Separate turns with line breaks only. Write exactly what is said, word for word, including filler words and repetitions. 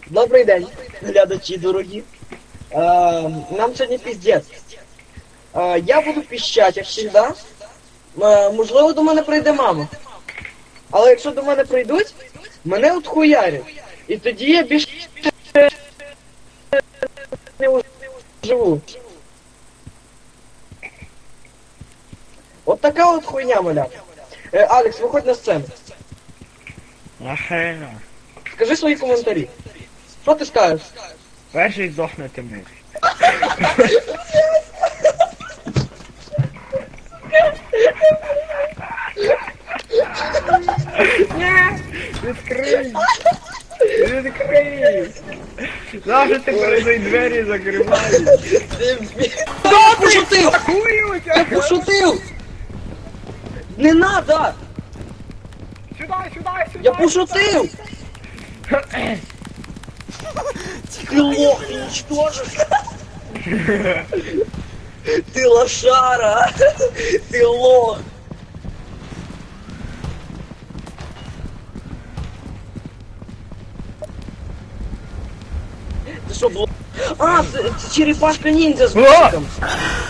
Добрий день, глядачі дорогі. Е, нам сьогодні піздець. Е, я буду піщать, як завжди. Е, можливо, до мене прийде мама. Але якщо до мене прийдуть, мене от хуярять. І тоді я більше не живу. От така от хуйня, маля. Е, Алекс, виходь на сцену.
Нахрена.
Скажи свої коментарі. Що ти скажеш?
Перший здохнути муж. Ні! Відкрий! Відкрий! Завжди ти перед двері закриваєш.
Я пошутив!
Хуй
Я пошутив! Не надо!
Сюди, сюди, сюди!
Я пошутив! Ты лох, ты ничтожишь! Ты лошара! Ты лох! Ты что, блок? А, це, це черепашка ниндзя з бусиком!